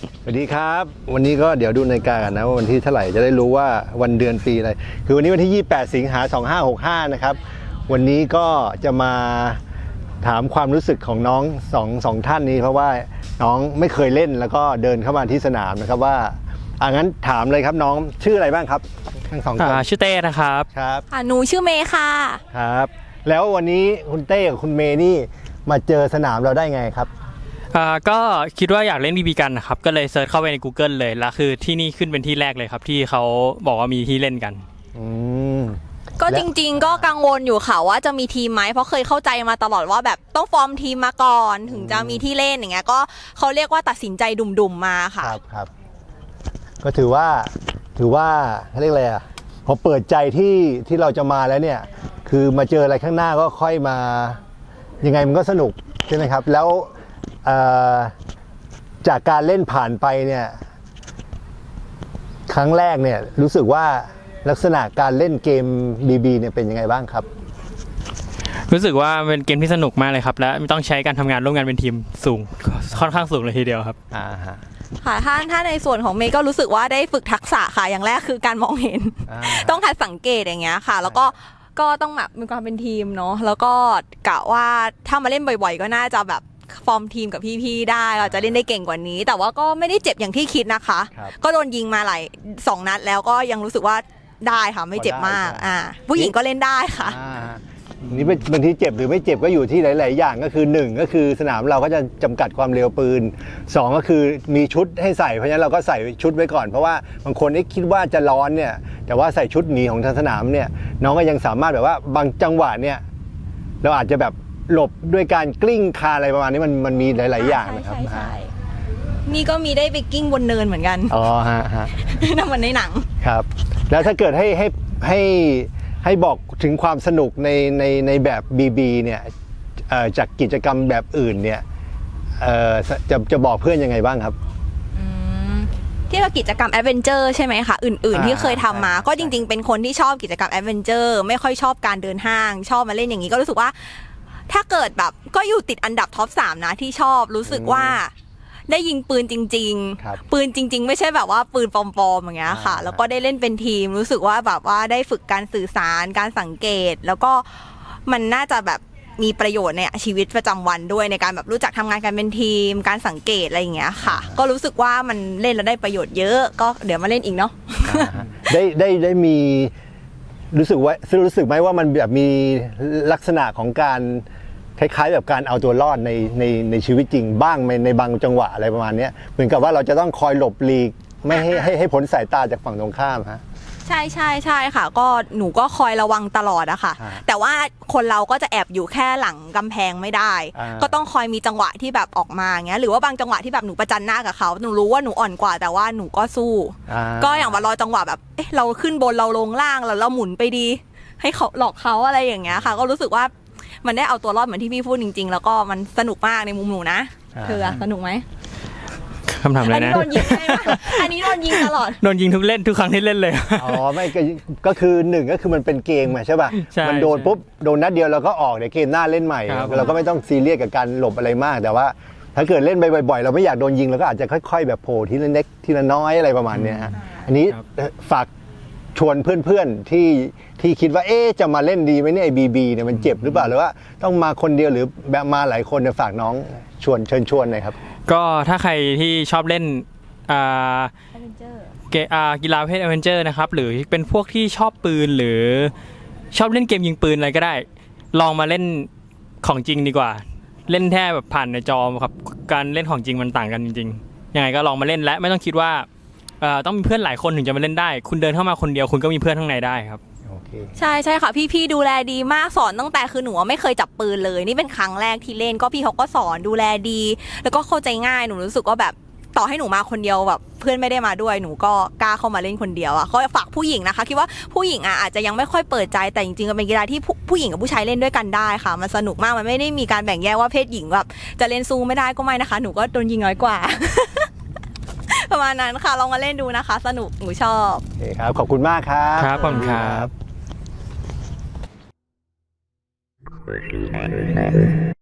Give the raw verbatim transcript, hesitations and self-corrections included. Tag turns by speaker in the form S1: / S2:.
S1: สวัสดีครับวันนี้ก็เดี๋ยวดูนาฬิกากันนะว่าวันที่เท่าไหร่จะได้รู้ว่าวันเดือนปีอะไรคือวันนี้วันที่ยี่สิบแปดสิงหาคมสองพันห้าร้อยหกสิบห้านะครับวันนี้ก็จะมาถามความรู้สึกของน้องสองสองท่านนี้เพราะว่าน้องไม่เคยเล่นแล้วก็เดินเข้ามาที่สนามนะครับว่าอ่ะงั้นถามเลยครับน้องชื่ออะไรบ้างครับทั้งสองคน
S2: ชื่อเต้นะครับ
S1: ครับ
S3: หนูชื่อเมย์ค่ะ
S1: ครับแล้ววันนี้คุณเต้กับคุณเมย์นี่มาเจอสนามเราได้ไงครับ
S2: ก็คิดว่าอยากเล่นบีบีกันนะครับก็เลยเซิร์ชเข้าไปใน Google เลยแล้วคือที่นี่ขึ้นเป็นที่แรกเลยครับที่เขาบอกว่ามีที่เล่นกัน
S1: อืม
S3: ก็จริงๆก็กังวลอยู่ค่ะว่าจะมีทีมไหมเพราะเคยเข้าใจมาตลอดว่าแบบต้องฟอร์มทีมมาก่อนถึงจะมีที่เล่นอย่างเงี้ยก็เขาเรียกว่าตัดสินใจดุ่มๆมาค่ะ
S1: ครับครับก็ถือว่าถือว่าเขาเรียกอะไรอ่ะพอเปิดใจที่ที่เราจะมาแล้วเนี่ยคือมาเจออะไรข้างหน้าก็ค่อยมายังไงมันก็สนุกใช่ไหมครับแล้วจากการเล่นผ่านไปเนี่ยครั้งแรกเนี่ยรู้สึกว่าลักษณะการเล่นเกม บี บี เนี่ยเป็นยังไงบ้างครับ
S2: รู้สึกว่าเป็นเกมที่สนุกมากเลยครับและต้องใช้การทำงานร่วมกันเป็นทีมสูงค่อนข้างสูงเลยทีเดียวครับ
S1: อ่าฮะ
S3: ค่ะถ้าถ้าในส่วนของเมย์ก็รู้สึกว่าได้ฝึกทักษะค่ะอย่างแรกคือการมองเห็นต้องหัดสังเกตอย่างเงี้ยค่ะแล้วก็ก็ต้องแบบมีความเป็นทีมเนาะแล้วก็กะว่าถ้ามาเล่นบ่อยๆก็น่าจะแบบฟอร์มทีมกับพี่ๆได้เราจะเล่นได้เก่งกว่านี้แต่ว่าก็ไม่ได้เจ็บอย่างที่คิดนะคะก็โดนยิงมาหลายสองนัดแล้วก็ยังรู้สึกว่าได้ค่ะไม่เจ็บมากอ่าผู้หญิงก็เล่นได้ค่ะ
S1: นี่บางทีเจ็บหรือไม่เจ็บก็อยู่ที่หลายๆอย่างก็คือหนึ่งก็คือสนามเราก็จะจำกัดความเร็วปืนสองก็คือมีชุดให้ใส่เพราะฉะนั้นเราก็ใส่ชุดไว้ก่อนเพราะว่าบางคนคิดว่าจะร้อนเนี่ยแต่ว่าใส่ชุดหนีของทางสนามเนี่ยน้องก็ยังสามารถแบบว่าบางจังหวะเนี่ยเราอาจจะแบบหลบด้วยการกลิ้งคาอะไรประมาณนี้มันมันมีหลายๆอย่างนะครับ
S3: ใช่นี่ก็มีได้ไปกิ้งบนเนินเหมือนกัน
S1: อ๋อฮะฮะ
S3: นั่นมันในหนัง
S1: ครับแล้วถ้าเกิดให้ให้ให้ให้บอกถึงความสนุกในในในแบบ บี บี เนี่ยจากกิจกรรมแบบอื่นเนี่ยจะจะบอกเพื่อนยังไงบ้างครับ
S3: ที่เรากิจกรรมแอดเวนเจอร์ใช่ไหมคะอื่นๆที่เคยทำมาก็จริงๆเป็นคนที่ชอบกิจกรรมแอดเวนเจอร์ไม่ค่อยชอบการเดินห้างชอบมาเล่นอย่างนี้ก็รู้สึกว่าถ้าเกิดแบบก็อยู่ติดอันดับท็อปสามนะที่ชอบรู้สึกว่าได้ยิงปืนจริงๆปืนจริงๆไม่ใช่แบบว่าปืนปลอมๆอย่างเงี้ยค่ะแล้วก็ได้เล่นเป็นทีมรู้สึกว่าแบบว่าได้ฝึกการสื่อสารการสังเกตแล้วก็มันน่าจะแบบมีประโยชน์ในชีวิตประจำวันด้วยในการแบบรู้จักทำงานกันเป็นทีมการสังเกตอะไรอย่างเงี้ยค่ะก็รู้สึกว่ามันเล่นแล้วได้ประโยชน์เยอะก็เดี๋ยวมาเล่นอีกเนาะ
S1: ได้ได้ได้มีรู้สึกว่ารู้สึกไหมว่ามันแบบมีลักษณะของการคล้ายๆแบบการเอาตัวรอดในในในชีวิตจริงบ้างในในบางจังหวะอะไรประมาณนี้เหมือนกับว่าเราจะต้องคอยหลบหลีกไม่ให้ให้ให้พ้นสายตาจากฝั่งตรงข้ามฮะ
S3: ใช่ใช่ใช่ค่ะก็หนูก็คอยระวังตลอดอะค่ะแต่ว่าคนเราก็จะแอบอยู่แค่หลังกำแพงไม่ได้ก็ต้องคอยมีจังหวะที่แบบออกมาอย่างเงี้ยหรือว่าบางจังหวะที่แบบหนูประจันหน้ากับเขาหนูรู้ว่าหนูอ่อนกว่าแต่ว่าหนูก็สู้ก็อย่างว่ารอจังหวะแบบเอ๊ะเราขึ้นบนเราลงล่างแล้วเราหมุนไปดีให้เขาหลอกเขาอะไรอย่างเงี้ยค่ะก็รู้สึกว่ามันได้เอาตัวรอดเหมือนที่พี่พูดจริงๆแล้วก็มันสนุกมากในมุมหนูนะเธอสนุกไหม
S2: คำถามอะไรนะ
S3: อันนี้โดนยิงไหมอันนี้โดนยิงตลอด
S2: โดนยิงทุกเล่นทุกครั้งที่เล่นเลย
S1: อ๋อไม่ก็คือหนึ่งก็คือมันเป็นเกมใช่ป่ะมันโดนปุ๊บโดนนัดเดียวเราก็ออกเดี๋ยวเกมหน้าเล่นใหม่เราก็ไม่ต้องซีเรียสกับการหลบอะไรมากแต่ว่าถ้าเกิดเล่นไปบ่อยๆเราไม่อยากโดนยิงเราก็อาจจะค่อยๆแบบโผล่ทีละเล็กทีละน้อยอะไรประมาณนี้ฮะอันนี้ฝากชวนเพื่อนๆที่ที่คิดว่าเอ๊ะจะมาเล่นดีไหมเนี่ยไอ้บีบีเนี่ยมันเจ็บหรือเปล่าหรือว่าต้องมาคนเดียวหรือแบบมาหลายคนเนี่ยฝากน้องชวนเชิญชวนหน่อยครับ
S2: ก็ถ้าใครที่ชอบเล่นกีฬาประเภทแอดเวนเจอร์นะครับหรือเป็นพวกที่ชอบปืนหรือชอบเล่นเกมยิงปืนอะไรก็ได้ลองมาเล่นของจริงดีกว่าเล่นแค่แบบผ่านในจอครับการเล่นของจริงมันต่างกันจริงๆยังไงก็ลองมาเล่นและไม่ต้องคิดว่าต้องมีเพื่อนหลายคนถึงจะมาเล่นได้คุณเดินเข้ามาคนเดียวคุณก็มีเพื่อนข้างในได้ครับ
S3: ใช่ใช่ค่ะพี่ๆดูแลดีมากสอนตั้งแต่คือหนูไม่เคยจับปืนเลยนี่เป็นครั้งแรกที่เล่นก็พี่เขาก็สอนดูแลดีแล้วก็เข้าใจง่ายหนูรู้สึกว่าแบบต่อให้หนูมาคนเดียวแบบเพื่อนไม่ได้มาด้วยหนูก็กล้าเข้ามาเล่นคนเดียวอ่ะก็ฝากผู้หญิงนะคะคิดว่าผู้หญิงอ่ะอาจจะยังไม่ค่อยเปิดใจแต่จริงๆเป็นกีฬาที่ผู้หญิงกับผู้ชายเล่นด้วยกันได้ค่ะมันสนุกมากมันไม่ได้มีการแบ่งแยกว่าเพศหญิงแบบจะเล่นสู้ไม่ได้ก็ไม่นะคะหนูก็โดนยิงน้อยกว่าประมาณนั้นค่ะลองมาเล่นดูนะคะสนุกหนูชอบ
S1: โอเคครับขอบคุณมากครับ
S2: ครับขอบคุณครับ